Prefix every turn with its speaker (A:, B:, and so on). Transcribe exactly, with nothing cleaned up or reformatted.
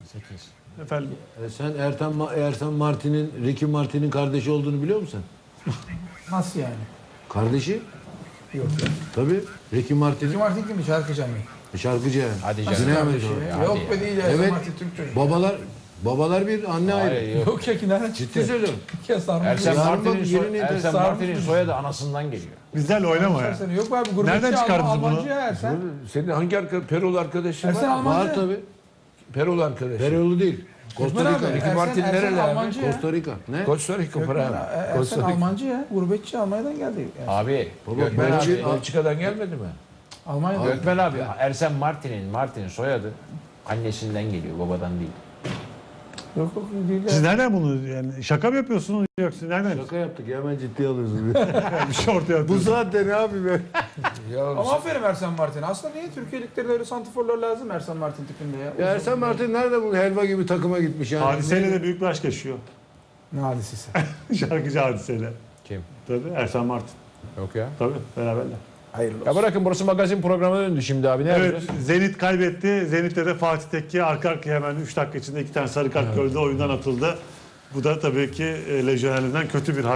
A: sekiz.
B: Efendim.
C: E sen Ertan, Ersan Martin'in, Ricky Martin'in kardeşi olduğunu biliyor musun?
D: Nasıl yani?
C: Kardeşi?
D: Yok.
C: Tabii. Ricky Martin'in.
D: Kim artık kim? Şarkıcı mı?
C: Şarkıcı yani.
A: Hadi
D: Nasıl
A: canım.
C: Güney
D: kardeşi
C: Amerika.
D: ya? Yok be değil ya.
C: Evet.
D: Martin Türk çocuk.
C: Babalar babalar bir, anne ayrı.
A: Hayır, yok.
D: Yok ya ki nereden
C: Ciddi
D: çıktı?
C: söylüyorum.
D: Ya sarmış.
A: Ersen
C: Yarın
A: Martin'in
C: bak,
A: soy,
C: yeni
A: Ersen
C: nesil
A: Martin'in
D: sarmış.
A: soyadı anasından geliyor.
B: Bizlerle oynama ya.
D: Seni yok mu abi? Gurbetçi
B: Nereden çıkardınız
D: Alman-
B: bunu?
D: Almancı ya Ersen.
E: Senin hangi arka, Perolu arkadaşın
D: Ersen
E: var?
D: Almancı.
C: Var tabii.
E: Perolu arkadaşın.
C: Perolu değil. Costa
D: Osman
C: Rica.
D: abi,
E: Ricky
D: Ersen,
E: Martin
D: Ersen
E: nereli abi?
D: Almancı ya.
C: Costa Rica. Ne?
E: Costa Rica
D: Gökmen,
E: para.
D: e, Ersen
E: Costa Rica.
D: Almancı ya. Gurbetçi Almanya'dan geldi. Yani.
A: Abi,
C: Baba,
A: Gökmen
C: ben
A: abi,
C: bir-
E: Belçika'dan gelmedi mi?
D: Almanya'dan.
A: Gökmen abi, Ersen Martin'in Martin'in soyadı annesinden geliyor, babadan değil.
D: Yok yok değil ya.
B: Siz nereden bunu yani şaka mı yapıyorsunuz yoksa nereden?
C: Şaka yaptık ya, hemen ciddiye alıyorsun.
B: Bir şey ortaya
C: Bu
B: atıyorsunuz.
C: saatte ne abi be?
E: Ya
D: Ama aferin Ersen Martin'e. Aslında niye Türkiye liglerinde öyle santiforlar lazım Ersen Martin tipinde ya?
C: Ya Ersan Martin nerede bu helva gibi takıma gitmiş yani?
B: Hadiseyle de büyük bir aşk yaşıyor.
D: Ne hadisesi?
B: Şarkıcı Hadiseyle.
A: Kim?
B: Tabii Ersan Martin.
A: Yok ya.
B: Tabii beraberler.
D: Hayırlı olsun.
A: Ya bırakın, burası magazin programına döndü şimdi abi. Ne
B: Evet,
A: yapacağız?
B: Zenit kaybetti. Zenit'te de Fatih Tekke arka arkaya hemen üç dakika içinde iki tane sarı kart gördü. Oyundan atıldı. Bu da tabii ki e, lejyonerliğinden kötü bir